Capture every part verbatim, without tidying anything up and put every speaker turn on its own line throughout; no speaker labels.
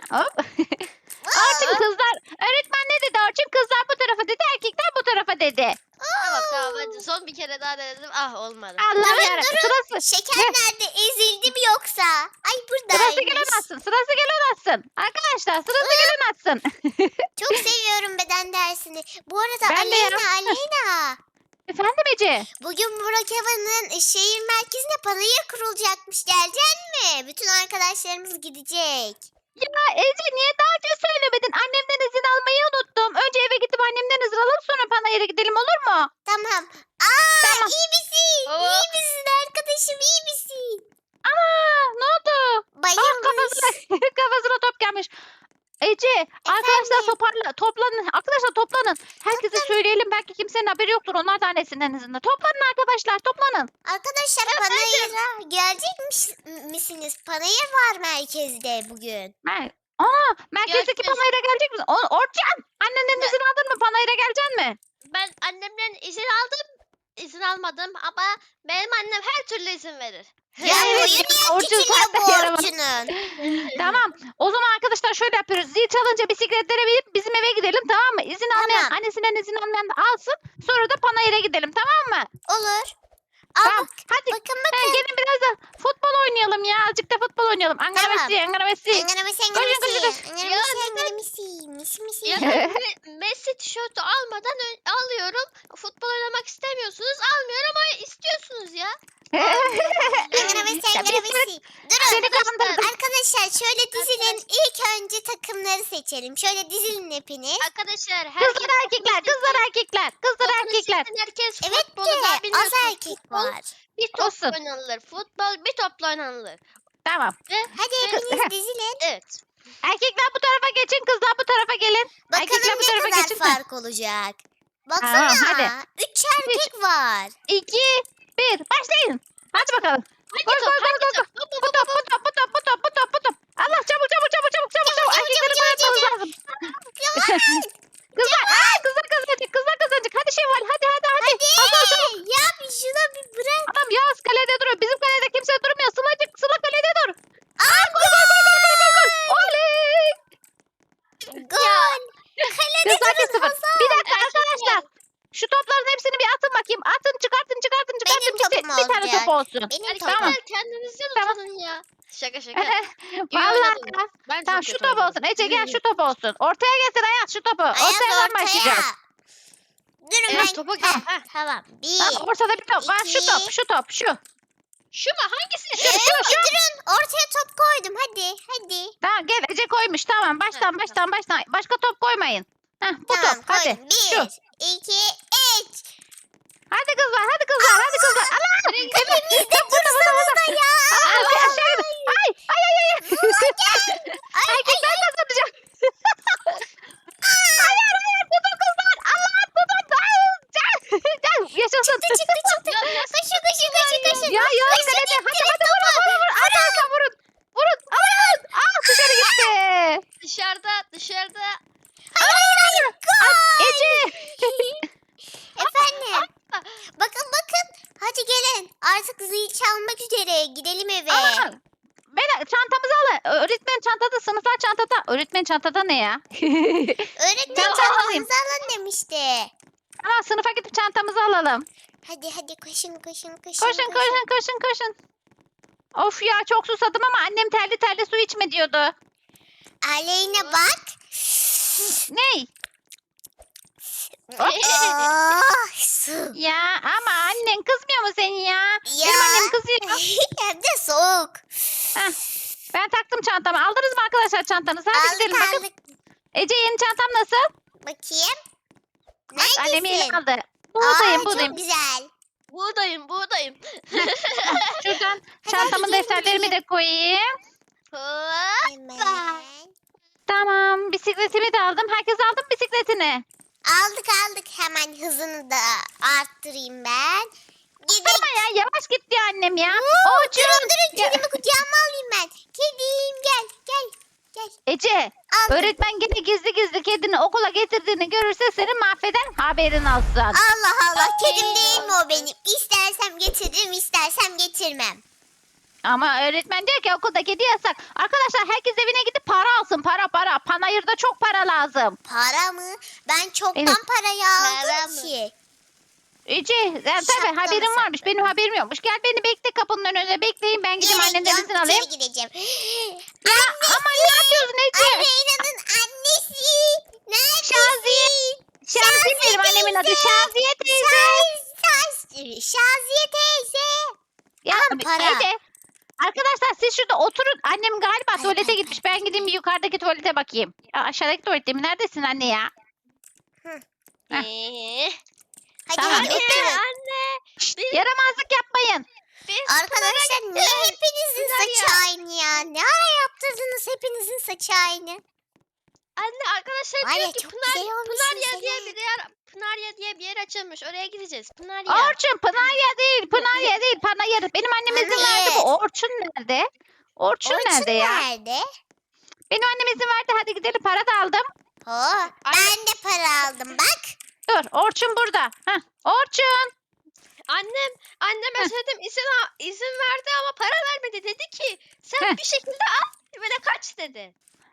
Hop. Orçun kızlar. Öğretmen ne dedi Orçun? Kızlar bu tarafa dedi. Erkekler bu tarafa dedi.
Tamam tamam hadi son bir kere daha denedim. Ah olmadı.
Allah'ım
Durun,
yarabbim.
durun.
Sırası.
Şeker
Ne?
nerede? Ezildi mi yoksa? Ay
Sırası
buradaymış.
gelen atsın. Sırası gelen atsın. Arkadaşlar sırası gelen atsın.
Çok seviyorum beden dersini. Bu arada
Ben de ya.
Aleyna Aleyna.
Efendim Ece?
Bugün Burakeva'nın şehir merkezine panayır kurulacakmış. Gelecek mi? Bütün arkadaşlarımız gidecek.
Ya Ece niye daha önce söylemedin? Annemden izin almayı unuttum. Önce eve gidip annemden izin alalım sonra panayıra gidelim olur mu?
Tamam. Aa
Tamam.
iyi misin?
Oo.
İyi misin arkadaşım? İyi misin?
Aa ne oldu? Ah
Bayılmış.
kafasına, kafasına top gelmiş. Ece arkadaşlar toparla, toplanın. Arkadaşlar toplanın. Herkese söyleyelim belki kimsenin haberi yoktur. Onlar da annesinden izinli. Toplanın arkadaşlar toplanın.
Arkadaşlar panayıra gelecek mis- misiniz? Panayır var merkezde bugün.
Mer Aa, merkezdeki
Görüşürüz.
panayıra gelecek misin? O Orçun annenden
Ne?
izin aldın mı? Panayıra geleceksin mi?
Ben annemden izin aldım. İzin almadım ama benim annem her türlü izin verir.
Ya
Evet,
boyu
ya,
niye
Orçun
küçülüyor
sen de
bu
yaramaz.
Orçun'un?
Tamam. O zaman arkadaşlar şöyle yapıyoruz. Zil çalınca bisikletlere binip bizim eve gidelim tamam mı? İzin almayan,
Tamam.
annesinden izin almayan da alsın. Sonra da panayıra gidelim tamam mı?
Olur. Aa,
Tamam.
bak,
Hadi.
bakın
Ha,
bakın.
gelin biraz da futbol oynayalım ya. Azıcık da futbol oynayalım. Ankara
Tamam.
Messi, Ankara Messi.
Engaramesi
koşun,
engaramesi.
koşun.
Engaramesi
Ya,
engaramesi. Misi misi.
Ya Me- Messi tişörtü almadan ön- alıyorum. Futbol oynamak istemiyorsunuz. Almıyorum ama istiyorsunuz ya.
Engaramesi
Ya,
engaramesi. Durun.
Seni kandırdım.
Arkadaşlar şöyle dizilin. İlk önce takımları seçelim. Şöyle dizilin hepiniz.
Arkadaşlar herkes
Kızlar erkekler, kızlar erkekler, kızlar
topunu
erkekler.
seçsin, herkes
Evet
futbolu
de
da
az
biliyorsunuz.
erkek
Futbol
var.
Bir top
Olsun.
oynanılır. Futbol bir topla oynanılır.
Tamam.
Hadi hepiniz dizilin.
Evet.
Erkekler bu tarafa geçin, kızlar bu tarafa gelin. Erkekler
Bakalım
bu
ne
tarafa
kadar
geçin.
fark olacak.
Tamam,
Baksana.
hadi.
Üç erkek var.
İki, bir, başlayın. Hadi bakalım.
Hangi
Koş,
top?
koş,
Hangi
koş,
top?
koş. Bu top, bu top, bu top, bu top, bu top, bu top. Allah çabuk, çabuk, çabuk, çabuk, çabuk, çabuk.
çabuk,
Erkekleri
çabuk,
bayatmanız
çabuk.
lazım. Kızlar, aa, kızlar kazanacak, kızlar kazanacak. Hadi Şevval, hadi, hadi, hadi. Hasan çabuk.
Hadi. Ya bir şuna bir bırak.
Adam Yağız kalede duruyor. Bizim kalede kimse durmuyor. Sılacık, Sıla kalede dur.
Aa,
Gol, gol, gol, gol, gol, gol, gol. Oley.
Gol. Kalede
Kızlar bir
durun
sıfır.
Hasan.
Bir dakika arkadaşlar. Şu topların hepsini bir atın bakayım. Atın, çıkartın, çıkartın, çıkartın.
Benim
Bir, te-
topum
bir tane
olacak.
top olsun.
Benim
Erkekler
topum.
Tamam.
kendinizden
Tamam.
utanın ya. Şaka şaka.
Vallahi.
oynadım. Ben
Tamam
çok
şu
kötü
top
oynadım.
olsun. Ece gel şu top olsun. Ortaya getir Ayaz şu topu.
Ayaz
Ortayadan
ortaya.
başlayacağız.
Durun
Evet,
ben.
topu
Heh,
gel. Heh.
tamam. Bir.
Tamam, ortada bir top var. Şu
iki.
top, şu top, şu.
Şu mu? Hangisi?
Ee, durun. Ortaya top koydum. Hadi. Hadi.
Tamam gel Ece koymuş. Tamam baştan
Heh,
baştan baştan. Başka top koymayın. Heh, bu
Tamam
top. Hadi.
koydum. Bir.
Şu.
iki, üç.
Hadi kızlar, hadi kızlar, hadi kızlar. Allah! Evet. Top burada, burada, burada.
Ya.
Aa, bir aşağı in. Ay, ay, ay, ay. Erkekler kazanacak. Hayır, hayır, tutun kızlar. Allah, tutun. Ay, Gel, gel, yaşasın.
Çıktı çıktı çıktı.
Ya, ya,
Koşun koşun koşun koşun.
Ya, ya,
Koşun,
kalede. Hadi,
ittirin
hadi, vurun,
topu.
vurun, vurun. Hadi, arka vurun. Vurun. Aman. Aa, dışarı gitti.
Dışarıda dışarıda.
Hayır hayır. Gol.
Ece.
Efendim. Bakın bakın. Hadi gelin. Artık zil çalmak üzere. Gidelim eve.
Aa, Beyler çantamızı alın. Öğretmen çantada, sınıflar çantada. Öğretmen çantada ne ya?
Öğretmen
Tamam,
çantanızı alın demişti.
Tamam sınıfa gidip çantamızı alalım.
Hadi hadi koşun koşun koşun.
Koşun koşun koşun koşun. Of ya çok susadım ama annem terli terli su içme diyordu.
Aleyna bak.
Ney?
Oh, su.
Ya ama annen kızmıyor mu seni ya?
Ya.
Benim annem kızıyor.
Hem de soğuk.
Heh, ben taktım çantamı. Aldınız mı arkadaşlar çantanızı? Hadi
Aldık
gidelim bakın.
aldık.
Ece yeni çantam nasıl?
Bakayım.
Bak, annem yeni
Neredesin?
aldı.
Aa,
Buradayım
çok
buradayım.
güzel.
Buğdayım buğdayım.
Şuradan
hadi
çantamın
gelin,
defterlerimi de koyayım.
Hop.
Hemen.
Tamam bisikletimi de aldım. Herkes aldı mı bisikletini?
Aldık aldık. Hemen hızını da arttırayım ben. Gidelim.
Ama ya yavaş git diyor annem ya.
Oo,
Orçun.
durun durun.
Ya-
Kedimi kucağıma alayım ben. Kedim gel gel. Gel.
Ece
Aldım.
öğretmen yine gizli gizli kedini okula getirdiğini görürse seni mahveden haberin olsun.
Allah Allah. Kedim değil mi o benim? İstersem getiririm istersem getirmem.
Ama öğretmen diyor ki okulda kedi yasak. Arkadaşlar herkes evine gidip para alsın. Para Panayır'da çok para lazım.
Para mı? Ben çoktan
Evet.
parayı
Para
aldım
mı?
ki.
Ece yani tabii
Şapka
haberin
mı
varmış. Benim haberim yokmuş. Gel beni bekle kapının önünde bekleyin. Ben gideyim
Evet,
annenden
yan
izin alayım.
içeri gideceğim.
Ya ama ne yapıyorsun Ece?
Aleyna'nın annesi. Neredesin?
Şaziye. Şaziye benim annemin adı. Şaziye teyze.
Şaz- Şaziye teyze.
Ya
Al para.
Ece. Arkadaşlar siz şurada oturun. Annem galiba
Ay,
tuvalete
ay,
gitmiş.
ay,
Ben gideyim bir yukarıdaki tuvalete bakayım. Ya aşağıdaki tuvalette mi? Neredesin anne ya? Heh.
Ee,
Hadi
Tamam,
hadi
anne,
oturun.
anne. Bir,
Yaramazlık yapmayın.
bir
Arkadaşlar niye hepinizin
Pınar'a
saçı aynı ya? Ne ara yaptırdınız hepinizin saçı aynı?
Anne arkadaşlar
Var ya,
diyor ki
çok
Pınar,
güzel olmuşsun
Pınarya
sen
diye
ha.
bir yer, Pınarya diye bir yer açılmış. Oraya gideceğiz. Pınarya.
Orçun Pınarya değil. Pınarya değil. Panayır. Benim annem izin verdi. Bu
Panayır.
Orçun nerede? Orçun,
Orçun
nerede ya?
nerede?
Benim annem izin verdi. Hadi gidelim. Para da aldım.
Oh, ben de para aldım bak.
Dur. Orçun burada. Heh. Orçun.
Annem, anneme
Heh.
söyledim izin al- izin verdi ama para vermedi. Dedi ki sen
Heh.
bir şekilde al ve de kaç dedi.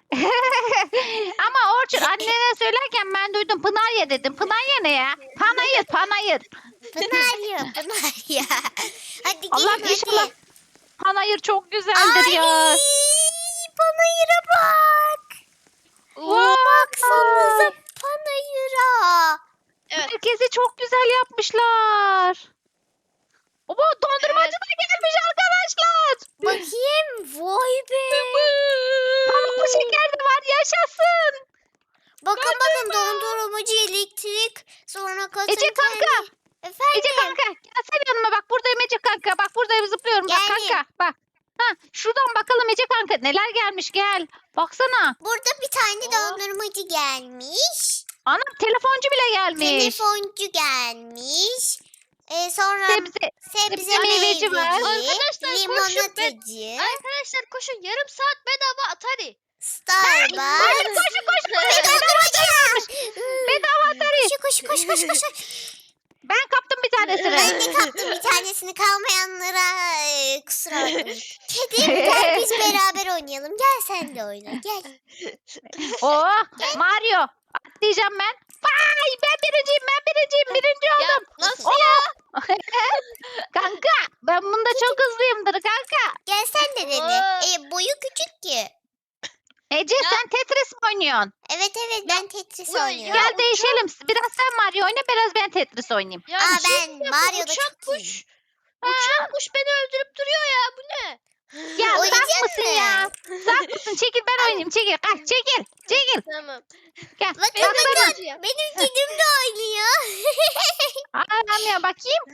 Ama Orçun annene söylerken ben duydum. Pınarya dedim. Pınarya ne ya? Panayır. Panayır.
Pınar ya Pınar ya. Hadi gelin
Allah
hadi.
inşallah. Panayır çok güzeldir
Ay,
ya.
Panayır'a bak.
Wow.
Baksanıza Panayır'a.
Evet.
Herkesi çok güzel yapmışlar. Baba dondurmacı da gelmiş arkadaşlar.
Bakayım. Vay be.
Pamuklu şeker de var yaşasın.
Bakın bakın dondurmacı elektrik. Sonra kasım
Ece kanka.
Efendim.
Ece kanka gelsene yanıma bak buradayım Ece kanka. Bak buradayım zıplıyorum bak
Geldim.
kanka. Bak. Ha, şuradan bakalım Ece kanka neler gelmiş gel. Baksana.
Burada bir tane
Oh.
dondurmacı gelmiş.
Anam telefoncu bile gelmiş.
Telefoncu gelmiş. Ee, sonra
Sebze.
sebze
sebze meyveci var.
Arkadaşlar, koşun
limonatacı,
Arkadaşlar koşun yarım saat bedava Atari.
Starbucks.
Koşun koşun koşun.
Ve dondurmacı.
Bedava Atari.
Koş koş koş koş koş.
Ben kaptım bir
Ben
tanesini.
de kaptım bir tanesini kalmayanlara e, kusura bakmayın. Kedim gel biz beraber oynayalım. Gel sen de oyna gel.
Oh Mario. Atlayacağım ben. Vay ben birinciyim ben birinciyim. Birinci
Ya
oldum.
nasıl
Oh.
ya?
Kanka ben bunda çok hızlıyımdır kanka.
Gel sen de dene. E, boyu küçük ki.
Ece
Ya.
sen Tetris mi oynuyorsun?
Evet evet ben Tetris
Uy, ya.
oynuyorum.
Gel
uçak-
değişelim. Biraz sen Mario oyna biraz ben Tetris oynayayım.
Ya
Aa,
bir şey
ben
diyeceğim, bu
Mario'da
uçak
çok
kuş.
iyiyim.
Uçak kuş beni öldürüp duruyor ya. Bu ne?
Ya
Oynayacak
saf mısın
mısın?
ya? Saf mısın? Çekil ben oynayayım. Çekil. Kaç çekil. Çekil.
Tamam.
Gel.
Bakın
Baksana.
bakın benim kedim de oynuyor.
Anam ya bakayım.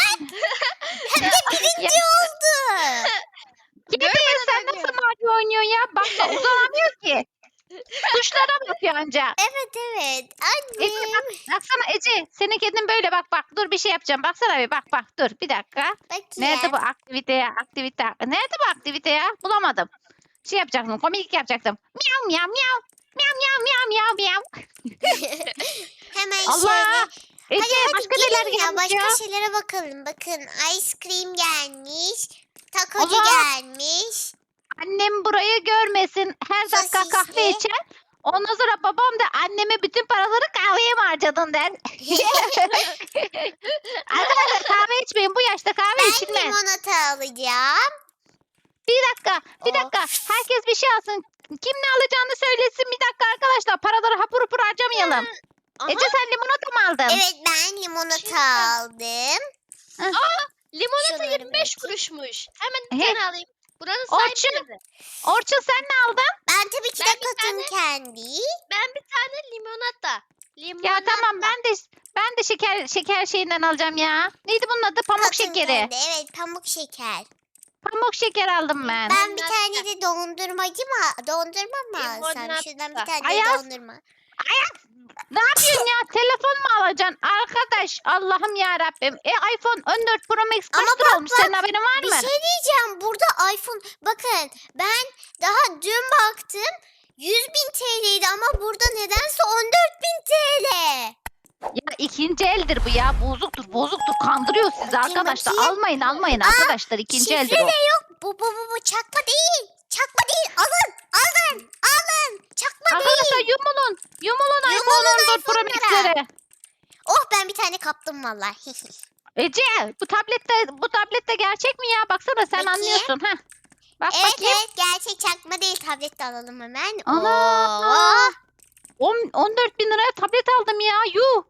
Birinci oldu.
Kedi sen nasıl Mario oynuyorsun ya? Bak da uzanamıyor ki. Tuşlara bakıyor anca.
Evet evet.
Ece
Annem.
bak, baksana Ece. Senin kedin böyle bak bak. Dur bir şey yapacağım. Baksana bir bak bak. Dur bir dakika.
Bakayım.
Nerede bu aktivite ya? Aktivite. Nerede bu aktivite ya? Bulamadım. Şey yapacaktım. Komiklik yapacaktım. Miyav miyav miyav. Miyav miyav miyav miyav miyav.
Hemen
Allah.
şöyle.
Ece
Hadi hadi
başka neler
gelin ya
gelmiş
başka
ya?
şeylere bakalım. Bakın ice cream gelmiş. Takocu
Allah.
gelmiş.
Annem burayı görmesin. Her dakika
Sosisli.
kahve içer. Ondan sonra babam da anneme bütün paraları kahveye mi harcadın der. Arkadaşlar kahve içmeyin. Bu yaşta kahve
Ben
içilmez.
limonata alacağım.
Bir dakika. Bir
Of.
dakika. Herkes bir şey alsın. Kim ne alacağını söylesin. Bir dakika arkadaşlar. Paraları hapur hapur harcamayalım.
Aha,
Ece sen limonata mı aldın?
Evet ben limonata
Şimdi-
aldım.
limonata
Şunları
yirmi beş
bırakayım.
kuruşmuş. Hemen bir
He.
tane alayım. Buranın sahibi
Orçun.
nerede?
Orçun sen ne aldın?
Ben tabii ki
Ben
de
bir
katın kendi.
Ben bir tane limonata. Limonata.
Ya tamam ben de ben de şeker şeker şeyinden alacağım ya. Neydi bunun adı? Pamuk
Katın
şekeri.
kendi, Evet pamuk şeker.
Pamuk şeker aldım ben.
Ben bir
Limonata.
tane de dondurmacı mı? Dondurma mı alsam?
Limonata.
Şuradan bir tane de
Ayaz.
dondurma.
Ne yapıyorsun ya? Telefon mu alacaksın? Arkadaş Allah'ım ya Rabbim. E iPhone on dört Pro Max kaç
Ama
lira
bak,
olmuş?
bak,
Senin haberin var
Bir
mı?
şey diyeceğim. Burada iPhone. Bakın ben daha dün baktım. yüz bin T L'ydi ama burada nedense on dört bin T L.
Ya ikinci eldir bu ya. Bozuktur, bozuktur. Kandırıyor sizi
Bakayım,
arkadaşlar.
bakayım.
Almayın, almayın
Aa,
arkadaşlar. İkinci eldir
Şifre
o.
de yok. Bu bu bu bu çakma değil. Çakma değil. Alın. Alın. Alın. Çakma
Arkadaşlar
değil.
yumulun. Yumulun iPhone
Yumulun
on dört Pro
iPhone'lara.
Max'lere.
Oh ben bir tane kaptım vallahi.
Ece bu tablette bu tablette gerçek mi ya? Baksana sen
Bakayım.
anlıyorsun. Heh. Bak
Evet
bakayım.
evet gerçek çakma değil, tablet de alalım hemen.
Ana!
Oo.
On- 14 bin liraya tablet aldım ya. Yuh.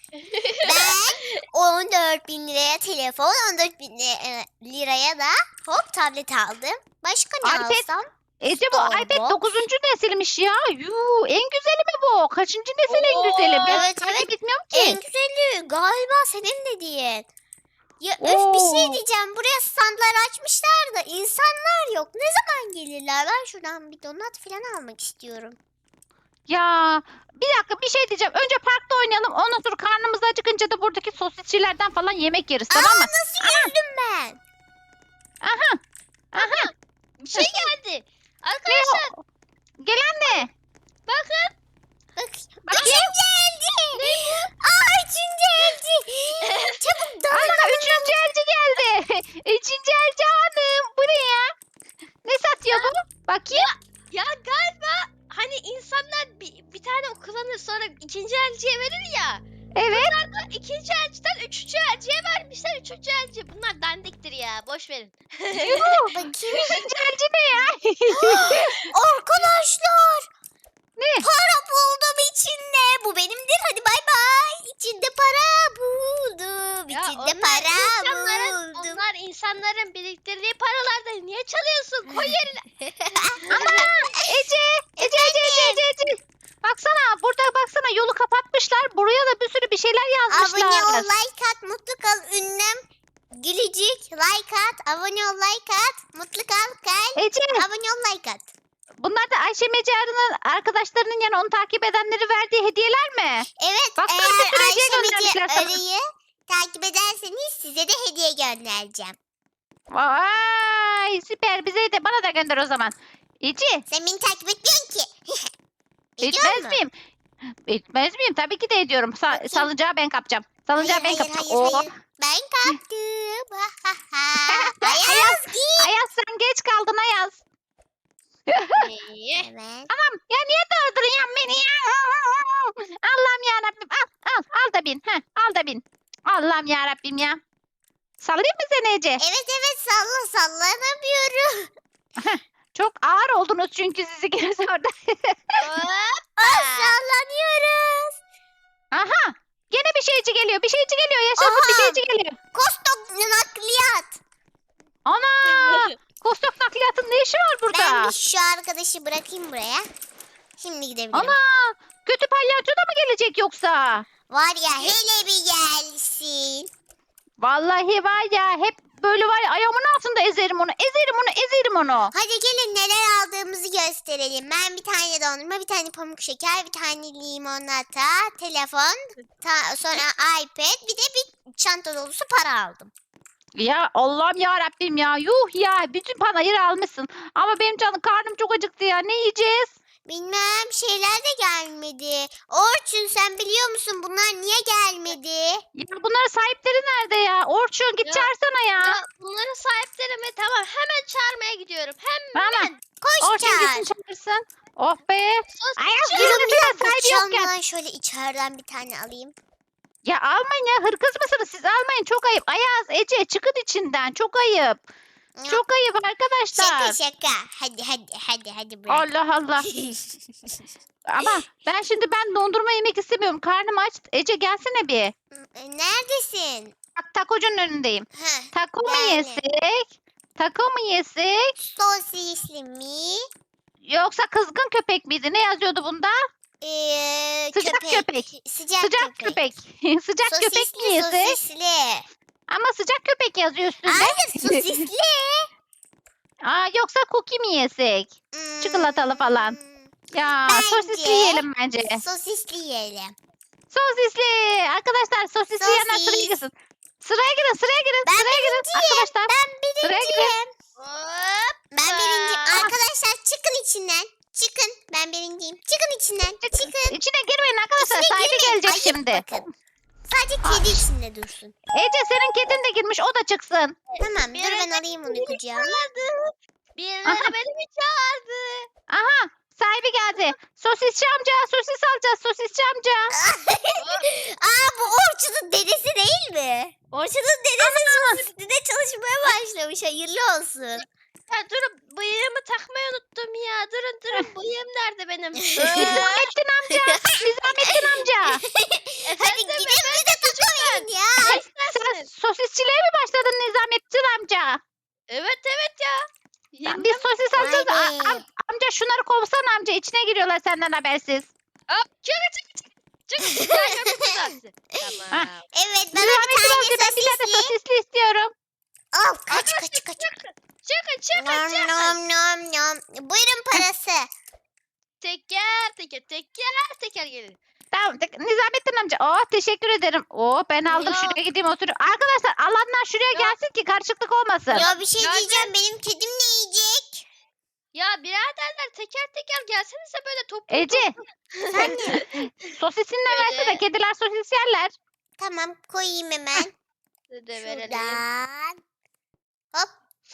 Ben on dört bin liraya telefon, on dört bin li- liraya da hop tablet aldım. Başka ne
iPad.
alsam?
Ece bu
Starbucks.
iPad dokuzuncu nesilmiş ya. Yuh. En güzeli mi bu? Kaçıncı nesil en güzeli? Ben
Evet,
takip
evet.
etmiyorum
En
ki.
güzeli galiba senin dediğin. Ya öf bir şey
Oo.
diyeceğim. Buraya standlar açmışlar da insanlar yok. Ne zaman gelirler? Ben şuradan bir donat falan almak istiyorum.
Ya bir dakika bir şey diyeceğim. Önce parkta oynayalım. Ondan sonra karnımız acıkınca da buradaki sosisçilerden falan yemek yeriz, tamam mı?
Nasıl yüzdüm ben?
Aha. Aha.
Bir şey geldi.
Ne
Arkadaşlar
o? Gelen ne?
bakın.
Bak.
Bakayım.
Üçüncü elci. Aa üçüncü elci. Çabuk dalın
Ana
dalın.
üçüncü elci geldi. Üçüncü elci hanım. Bu ne ya? Ne satıyor bu? Bakayım.
Ya galiba hani insanlar bir, bir tane kullanır sonra ikinci elciye verir ya.
Evet.
İkinci elciden üçüncü elciye vermişler. Üçüncü elci. Bunlar dandiktir ya. Boş verin.
Yuh.
Bakayım.
Üçüncü elci ne ya?
Arkadaşlar.
Ne?
Para buldum içinde. Bu benimdir. Hadi bay bay. İçinde para buldum.
Ya
İçinde
onlar
para
insanların,
buldum.
onlar insanların biriktirdiği paralardan niye çalıyorsun? Koy yerine.
Ama Ece, Ece, Ece, Ece, Ece, Ece. Baksana burada baksana yolu kapatmışlar. Buraya da bir sürü bir şeyler
Abone ol,
yazmışlar.
like at, mutlu kal, ünlem, gülücük, like at, abone ol, like at, mutlu kal, kal,
Ece,
abone ol, like at.
bunlar da Ayşe Mecarı'nın arkadaşlarının yani onu takip edenleri verdiği hediyeler mi?
Evet,
Baksana
eğer
bir sürü hediye
Ayşe
göndermişler
Mece
sana.
Arı'yı takip ederseniz size de hediye göndereceğim.
Vay süper bize de bana da gönder o zaman. Ece,
Sen beni takip etmiyorsun ki. Ediyor
etmez
musun?
miyim? Etmez miyim? Tabii ki de ediyorum. Sa-
Bakayım.
salıncağı ben kapacağım. Salıncağı
Hayır,
ben
hayır,
kapacağım.
hayır,
Oo.
hayır. Ben kaptım. Ha, ha, ha. Ayaz git.
Ayaz sen geç kaldın Ayaz.
İyi.
Evet.
Tamam ya niye durduruyorsun beni ya? Allah'ım yarabbim al al al da bin. Heh, al da bin. Allah'ım yarabbim ya. Sallayayım mı seni Ece?
Evet evet salla sallanamıyorum.
Çok ağır oldunuz çünkü siz ikiniz orada.
Aa, sallanıyoruz.
Aha gene bir şeyci geliyor bir şeyci geliyor yaşasın bir
Aha.
şeyci geliyor.
Kostok nakliyat.
Ana Kostok nakliyatın ne işi var burada?
Ben bir şu arkadaşı bırakayım buraya. Şimdi gidebilirim.
Ana kötü palyaço da mı gelecek yoksa?
Var ya hele bir gelsin.
Vallahi var ya hep böyle var ya ayağımın altında ezerim onu ezerim onu ezerim onu.
Hadi gelin neler aldığımızı gösterelim. Ben bir tane dondurma, bir tane pamuk şeker, bir tane limonata, telefon, ta- sonra iPad, bir de bir çanta dolusu para aldım.
Ya Allah'ım ya Rabbim ya yuh ya bütün panayırı almışsın. Ama benim canım karnım çok acıktı ya ne yiyeceğiz?
Bilmem şeyler de gelmedi. Orçun sen biliyor musun bunlar niye gelmedi?
Ya bunların sahipleri nerede ya? Orçun git
Ya,
çağırsana ya.
Ya bunların sahipleri mi? Tamam hemen çağırmaya gidiyorum. Hemen.
Tamam.
Koş
Orçun
çağır.
gitsin çağırsın. Oh be.
Sos-
Ayaz
Durun
durun
bir dakika
sahibi yokken.
camdan şöyle içeriden bir tane alayım.
Ya almayın ya hırkız mısınız siz almayın çok ayıp. Ayaz Ece çıkın içinden çok ayıp. Çok ayıp arkadaşlar.
Şaka şaka. Hadi hadi hadi hadi bırak.
Allah Allah. Ama ben şimdi ben dondurma yemek istemiyorum. Karnım aç. Ece gelsene bir.
Neredesin?
Bak takocunun önündeyim.
Heh,
Taco mu
Yani.
yesek? Taco mu yesek?
sosisli mi?
Yoksa kızgın köpek miydi? Ne yazıyordu bunda?
Ee,
Sıcak köpek.
Sıcak,
Sıcak
köpek.
köpek. Sıcak köpek mi
Sosisli
yesek?
sosisli.
Ama sıcak köpek yazıyor üstünde.
Hayır sosisli.
Aa, yoksa cookie mi yesek? Çikolatalı falan.
Hmm,
Ya
Bence-
sosisli yiyelim bence.
Sosisli yiyelim.
Sosisli. Arkadaşlar sosisli yiyenler sıraya
Sosis.
girsin. Sıraya girin sıraya girin.
Ben
sıraya girin arkadaşlar.
Ben
Sıraya girin.
birinciyim.
Hop.
Ben birinciyim.
Aa.
Arkadaşlar çıkın içinden. Çıkın. Ben birinciyim. Çıkın içinden. Çıkın.
İçine girmeyin arkadaşlar.
İçine
Sahibi
girmeyin.
gelecek
Ayıp
şimdi.
bakın. Sadece kedi içinde dursun.
Ece senin kedin de girmiş o da çıksın.
Tamam dur ben
Birileri
alayım onu
beni
kucağıma.
çağırdı. Birileri
Aha.
beni mi çağırdı?
Aha Sahibi geldi. Sosisçi amca, sosis alacağız sosisçi amca.
Aa bu Orçun'un dedesi değil mi? Orçun'un dedesi sosisçide çalışmaya başlamış. Hayırlı olsun.
Ya durun bıyığımı takmayı unuttum ya. Durun durun bıyığım nerede benim?
Nizamettin amca, Nizamettin amca.
Hadi
Efendim,
gidin bir de takamayın ya.
ne istersiniz?
Sosisçiliğe mi başladın Nizamettin amca?
Evet evet ya.
Tamam, biz sosis alacağız.
Vay
A-
be.
am- amca şunları kovsana amca. İçine giriyorlar senden habersiz.
Hop çık çık çık. Çık. Ya yapacağız. Tamam.
Evet bana bir
Nizamettin amca
tane
ben bir tane
sosisli.
sosisli istiyorum.
Al kaç kaç kaç.
Çıkın çıkın
Nom
çıkın.
nom nom nom. Buyurun parası.
Teker teker teker teker gelin.
Tamam tek- Nizamettin amca. Oh teşekkür ederim. Oh ben aldım
Ya.
şuraya gideyim oturuyorum. Arkadaşlar alanlar şuraya
Ya.
gelsin ki karışıklık olmasın.
Ya bir şey
Ya
diyeceğim benim kedim ne yiyecek?
Ya biraderler teker teker gelsenize böyle toplu
Ece
Sen ne?
sosisinle
Şöyle.
versene. Kediler sosis yerler.
Tamam koyayım hemen.
toplu de verelim.
Şuradan. Hop.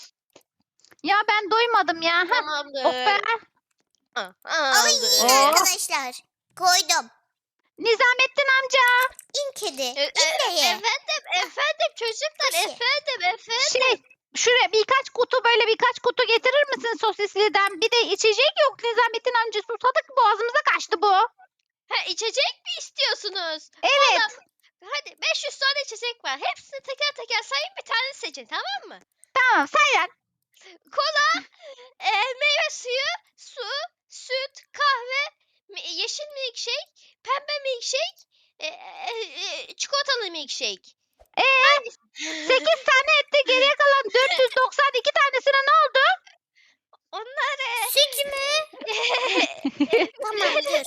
Ya ben doymadım ya. Hah.
Tamamdır.
Oh be.
Ah,
Alın yiyin
aldım.
Oh.
arkadaşlar. Koydum.
Nizamettin amca.
İn kedi.
E, e,
İn de ye.
efendim efendim çocuklar
Nasıl?
efendim efendim.
Şey şuraya birkaç kutu böyle birkaç kutu getirir misin sosisliden? Bir de içecek yok Nizamettin amca. Susadık boğazımıza kaçtı bu.
Ha, içecek mi istiyorsunuz?
Evet.
Valla, hadi beş yüz tane içecek var. Hepsini teker teker sayın bir tane seçin tamam mı?
Tamam sayar.
Kola, e, meyve suyu, su, süt, kahve, mi- yeşil milkshake, pembe milkshake, e, e, e, çikolatalı milkshake.
Ee, sekiz tane etti. Geriye kalan dört yüz doksan iki tanesine ne oldu?
Onları
Süt mü? Tamam dur.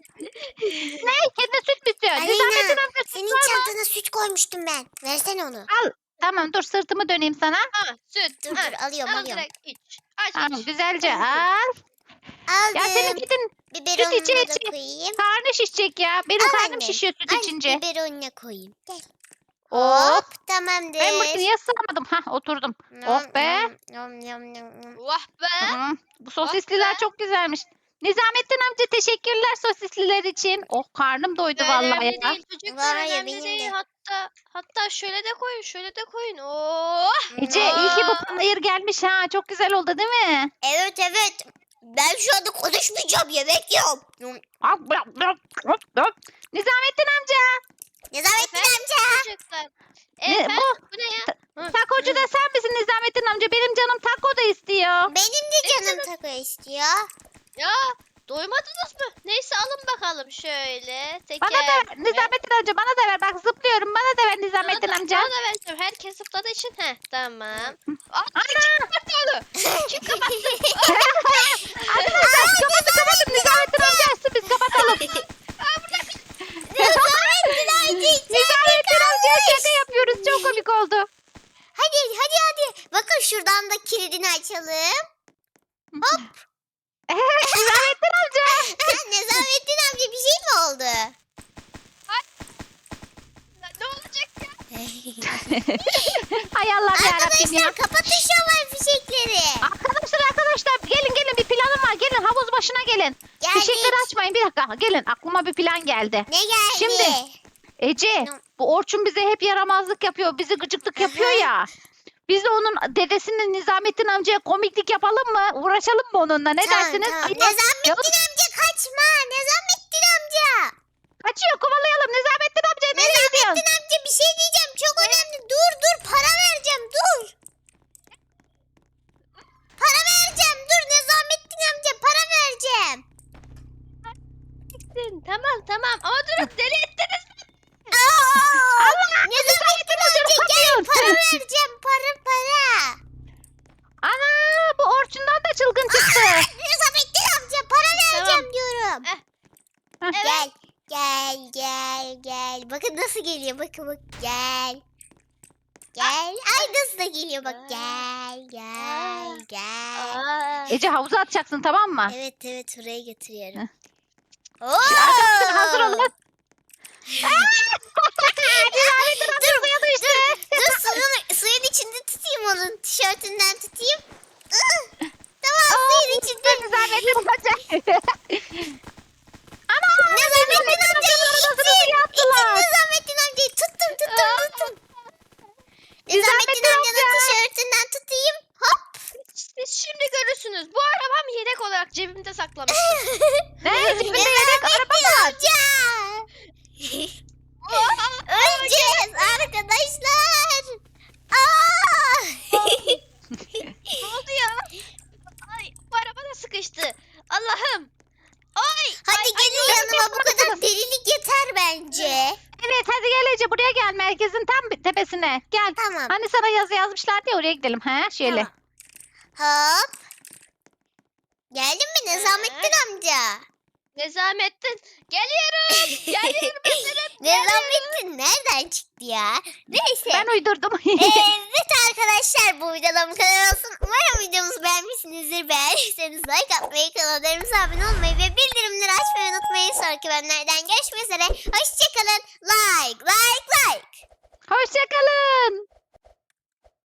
Ne? Kendine süt mü istiyor?
Aleyna,
Nizamettin amca süt
Senin
var mı?
çantana süt koymuştum ben. Versene onu.
Tamam dur sırtımı döneyim sana.
ha, süt.
Dur
ha,
dur alıyorum
al
alıyorum.
direkt iç. Aç
Tamam
iç.
güzelce al. Ya senin
Aldım.
gidin
Biberonunu
içe
da
içe.
koyayım.
karnı şişecek ya. Benim
Al
karnım
anne,
şişiyor süt
Al
içince.
biberonuna koyayım. Gel.
Hop.
Hop tamamdır.
Ben makineye sığamadım. Hah oturdum. Oh be.
Nom, nom, nom, nom.
Vah be.
Hı, bu sosisliler
be.
çok güzelmiş. Nizamettin amca teşekkürler sosisliler için. Oh karnım doydu vallahi
Önemli
ya.
değil çocuklar
Var ya,
önemli
benim
değil.
de.
Hatta hatta şöyle de koyun şöyle de koyun. Oh.
Ece iyi ki bu
Aa.
panayır gelmiş ha. Çok güzel oldu değil mi?
Evet evet. Ben şu anda konuşmayacağım. Yemek yiyorum. Nom.
Nizamettin amca.
Nezamettin
Efendim?
amca.
Çocuklar.
Ne,
Efendim
bu
bu ne ya? Hı.
takocu da sen misin Nizamettin amca? Benim canım taco da istiyor.
Benim de canım taco istiyor.
Ya doymadınız mı? Neyse alın bakalım şöyle. Teker.
Bana da ver. Nizamettin amca bana da ver. Bak zıplıyorum. Bana da ver Nizamettin
Bana da-
amca.
Bana da vereceğim. Herkes zıpladığı için. Heh tamam. Aa,
Ana!
kapattı onu. Kim kapattı?
Arkadaşlar kapatın kapatın. Nizamettin amca açsın biz kapatalım.
Nezamettin amca
Nizamettin amcaya şaka yapıyoruz. Çok komik oldu.
Hadi hadi hadi. Bakın şuradan da kilidini açalım.
Nizamettin amca.
Nezamettin amca bir şey mi oldu?
Ne olacak ya?
Hay Allah yarabbim ya.
Arkadaşlar kapatın şu havai fişekleri.
Arkadaşlar arkadaşlar gelin gelin bir planım var. Gelin havuz başına gelin.
Geldik.
Fişekleri açmayın bir dakika. Gelin aklıma bir plan geldi.
Ne geldi?
Şimdi, Ece
Ne-
bu Orçun bize hep yaramazlık yapıyor. Bizi gıcıklık yapıyor
Aha.
ya. Biz de onun dedesinin Nizamettin amcaya komiklik yapalım mı? Uğraşalım mı onunla? Ne
Tamam,
dersiniz?
tamam.
Ay,
Nezamettin
canım
amca kaçma. Nezamettin amca.
kaçıyor kovalayalım. Nizamettin amca nereye gidiyorsun?
Nezamettin amca bir şey diyeceğim. Çok önemli. Dur dur para vereceğim. Dur. Para vereceğim. Dur Nezamettin amca para vereceğim.
Tamam tamam ama durun deli ettiniz.
Aa!
Allah!
Nezamettin amca
ne
gel
yapıyorsun?
para vereceğim. Para para.
Ana bu Orçun'dan da çılgın çıktı.
Nezamettin amca para vereceğim diyorum.
Eh.
Evet.
Gel. Gel gel gel. Bakın nasıl geliyor. Bakın bak gel. Gel. Ay nasıl da geliyor bak. Gel gel gel.
Aa.
Ece havuza atacaksın tamam mı?
Evet evet oraya getiriyorum. Oo!
Arkadaşlar hazır olun. Nizamettin amca suya düştü.
Dur suyun, suyun içinde tutayım onun. Tişörtünden tutayım. Ih, Tamam suyun içinde.
Nizamettin amca. Ana!
Nizamettin amcayı
arabasını
itin. İtin
yaptılar.
Nizamettin amcayı. Tuttum tuttum tuttum. Nizamettin
Nizamettin
amcanın
amca.
tişörtünden tutayım. Hop.
Siz şimdi görürsünüz. Bu arabam yedek olarak cebimde saklamıştım.
Ne? Cebinde yedek araba var.
Amca. Öleceğiz arkadaşlar. Aa!
Ne oldu ya? Ay, bu araba da sıkıştı. Allah'ım. Ay.
Hadi
ay,
gelin
ay,
yanıma, bu kadar delilik yeter bence.
Evet hadi gel Ece buraya gel merkezin tam tepesine. Gel.
Tamam.
Hani sana yazı yazmışlardı ya oraya gidelim. He şöyle.
Tamam. Hop. Geldin mi Nizamettin amca?
Nezamettin. Geliyorum. Geliyorum efendim.
Nizamettin nereden çıktı ya? Neyse.
Ben uydurdum.
Evet arkadaşlar, bu videoda bu kadar olsun. Umarım videomuzu beğenmişsinizdir. Beğendiyseniz like atmayı, kanallarımıza abone olmayı ve bildirimleri açmayı unutmayın. Sonraki bölümlerden görüşmek üzere.